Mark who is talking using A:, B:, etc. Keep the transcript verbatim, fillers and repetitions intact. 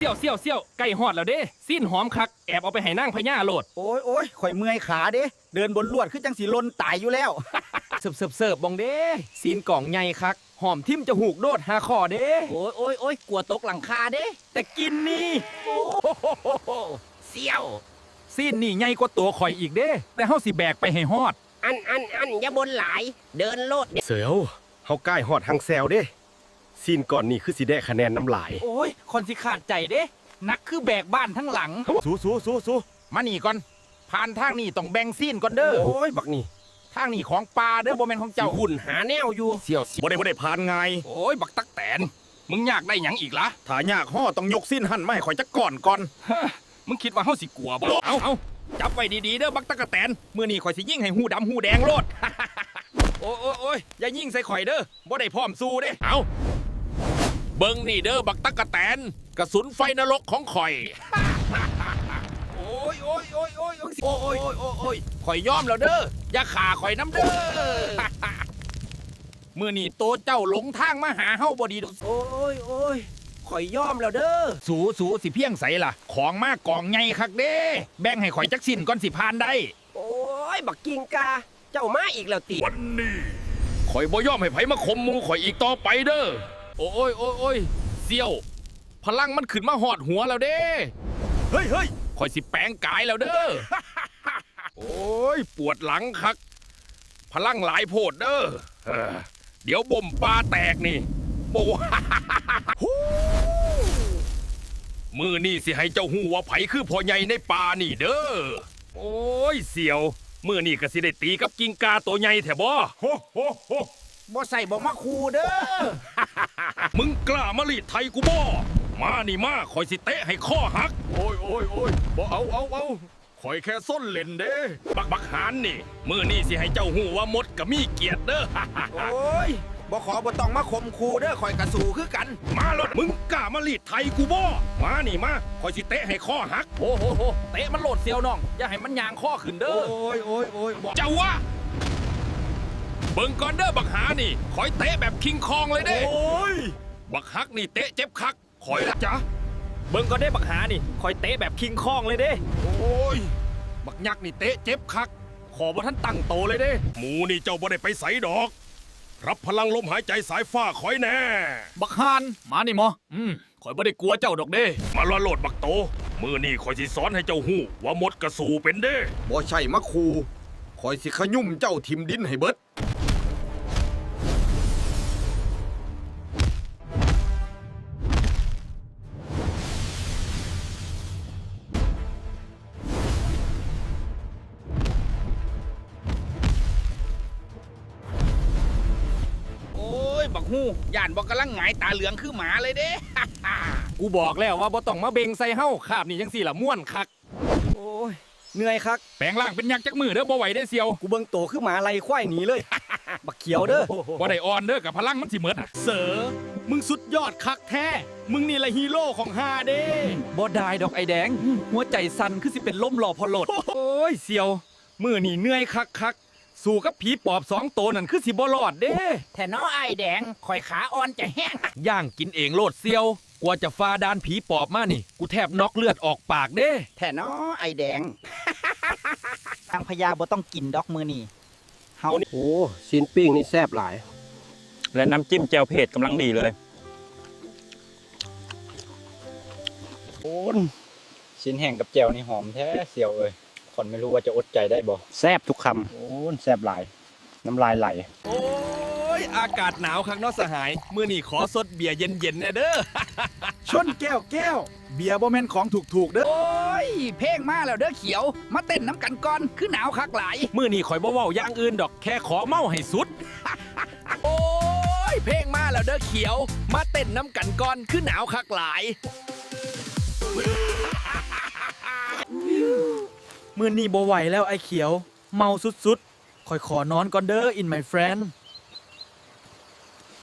A: เสี่ยวเสี่ยวเสี่ยวไก่หอดแล้วเด้สิ้นหอมคักแอบเอาไปให้นางพญาโลด
B: โอ้ยโอ้ยข่อยเมื่อยขาเด้เดินบนลวดคือจังสีลนตายอยู่แล้ว
A: เสิร์ฟเสิร์ฟเสิร์ฟบองเด้ซีนกล่องใหญ่คักหอมทิ่มจะหูกโดดหาคอเด้
B: โอ้ยโอ้ยโอ้ยกลัวตกหลังคาเด้
A: แต่กินนี่
B: เสี่ยว
A: ซีนนี่ใหญ่กว่าตัวข่อยอีกเด้แต่เฮาสิแบกไปให้ฮอด
B: อันอันอันอย่าบนหลายเดินโลด
C: เสียวเฮาใกล้ฮอดหังแซวเด้ซีนก่อนนี่คือสิได้คะแนนน้ำลาย
A: โอ้ยคนสิขาดใจเด้นักคือแบกบ้านทั้งหลัง
C: สู้สู้สู้สู้
A: มานี่ก่อนผ่านทางนี่ต้องแบ่งซีนก่อนเด้อ
C: โอ้ยบักนี่
A: ทางนี่ของปลาเด้อบ่แม่นของเจ้า
C: หุ่นหาแนวอยู่
A: เสี่ยว
C: บ่ได้บ่ได้ผ่านไง
A: โอ้ยบักตักแตนมึงอยากได้หยังอีกล่ะ
C: ถ้ายากห่อต้องยกซีนหั่นมาให้ข่อยจักก่อนก่อน
A: มึงคิดว่าเฮาสิกลัวบ่เอาเอาจับไว้ดีๆเด้อบักตักแตนมื้อนี้ข่อยสิยิงให้หูดำหูแดงโลดโอ้โอ้โอ้ยอย่ายิงใส่ข่อยเด้อบ่ได้พร้อมสู้เด้เอาเบิ่งนี่เด้อบักตักแตนกระสุนไฟนรกของข่อยโอ้ยโอ้ยโอ้ยโอ้ยโอ้ยโอ้ยโอ้ยโอ้ยข่อยยอมแล้วเด้ออย่าฆ่าข่อยน้ำเด้อมื้อนี้โตเจ้าหลงทางมาหาเฮาบ่ดีดอก
B: โอ้ยโอ้ยข่อยยอมแล้วเด้อ
A: สูสูสิเพียงใสล่ะของมากกองใหญ่คักเด้แบ่งให้ข่อยจักสิ้นก่อนสิผ่านได้
B: โอ้ยบักกิงกาเจ้ามาอีกแล้วติ
A: วันนี้ข่อยบ่ยอมให้ไผมาข่มหมู่ข่อยอีกต่อไปเด้อโอ้ยโอ้ยโอ้ยเสี่ยวพลังมันขึ้นมาหอดหัวแล้วเด้
C: เฮ้ยเฮ้ย
A: ข่อยสิแปลงกายแล้วเด้อโอ้ยปวดหลังคักพลังหลายโพดเด้อเดี๋ยวบ่มปลาแตกนี่โบมือนี่สิให้เจ้าหูว่าไผคือพ่อใหญ่ในป่านี่เด้อโอ้ยเสี่ยวมือนี่ก็สิได้ตีกับกิ้งกาตัวใหญ่แถบ่
C: โฮโฮโฮ
B: บ่ใส่บ่มาคูเด้อ
A: มึงกล้ามาลีดไทยกูบ่มานี่มาคอยสิเตะให้ข้อหัก
C: โอ้ยโอ้ยโอ้ยบ่เอาเอาเอาคอยแค่ส้นเล่นเด้
A: บักบักหานนี่มือนี่สิให้เจ้าหูว่ามดก็มีเกียรติเด้อ
B: โอ้ยบ่ขอบ่ต้องมาข่มคูเด้อคอยกระสูคือกัน
A: มาลดมึงกล้ามาลีดไทยกูบ่มานี่มาคอยสิเตะให้ข้อหักโอ้โหโหเตะมันโหลดเซียวน้องอย่าให้มันยางข้อขึ้นเด้อ
C: โอ้ยโอ้ยโอ้ย
A: เจ้าวะเบิ่งก่อนเด้อบักหานี่คอยเตะแบบคิงคองเลยเด้
C: โอ้ย
A: บักฮักนี่เตะเจ็บคักคอยละจ้ะเบิ่งก่อนเด้บักหานี่คอยเตะแบบคิงคองเลยเด้โอ้ยบักยักษ์นี่เตะเจ็บคักขอบ่ท่านตั้งโตเลยเด้หมูนี่เจ้าบ่ได้ไปใส่ดอกรับพลังลมหายใจสายฟ้าคอยแน่บักฮานมานี่หมออืมคอยบ่ได้กลัวเจ้าดอกเด้มาละโลดบักโตมือนี่คอยสิสอนให้เจ้าหู้ว่ามดกระสูเป็นเด้
C: บ่ใช่มะคูคอยสิขยุ่มเจ้าทิมดินให้เบิด
A: บักฮู้ย่านบอกกำลังหงายตาเหลืองคือหมาเลยเด้ กูบอกแล้วว่าบ่ต้องมาเบ่งใส่เฮาคาบนี่จังสี่ละม่วนคัก
B: โอ้ยเหนื่อยคัก
A: แปลงร่างเป็นยักษ์จักมือเด้อบ่ไหวได้เซียว
B: กูเบิ่งโตคือหมาไล่ควายหนีเลย บักเขียวเด้อ
A: บ่ได้อ่อนเด้อกับพลังมันสิหมดเสือมึงสุดยอดคักแท้มึงนี่ละฮีโร่ของฮาเด้บ่ได้ดอกไอแดงหัวใจสั่นคือสิเป็นลมหล่อพอหลดโอ้ยเซียวมือนี่เหนื่อยคักคักสู้กับผีปอบสองตัวนั่นคือสิบ่รอดเด้
B: แท่น้อไอแดงข่อยขาอ่อนจะแห้ง
A: ย่างกินเองโลดเซียวกว่าจะฟาดานผีปอบมานี่กูแทบน็อกเลือดออกปากเด้
B: แท่น้อไอแดงทางพญาบ่ต้องกินดอกมือนี่เฮา
C: โอ้ซีนปิ้งนี่แซ่บหลาย
A: และน้ำจิ้มแจ่วเผ็ดกำลังดีเลย
B: โอ้ชิ้นแห้งกับแจ่วนี่หอมแท้เซียวเอ้ยคนไม่รู้ว่าจะอดใจได้บ่
C: แซ่บทุกคำโอ้แซ่บหลายน้ำลายไหล
A: โอ้ยอากาศหนาวข้างนอกสหายมื้อนี้ขอสดเบียร์เย็นๆนะเด้อ
B: ชนแก้วแก้วเบียร์บ่แม่นของถูกๆเด้อโอ้ยเพลงมาแล้วเด้อเขียวมาเต้นน้ำกันก่อนคือหนาวคักหลาย
A: มื้อนี้ข่อยบ่เว้าอย่างอื่นดอกแค่ขอเมาให้สุดโอ้ยเพลงมาแล้วเด้อเขียวมาเต้นน้ำกันก่อนคือหนาวคักหลาย
B: มื้อนี้บ่ไหวแล้วไอ้เขียวเมาสุดๆข่อยขอนอนก่อนเด้อ in my friend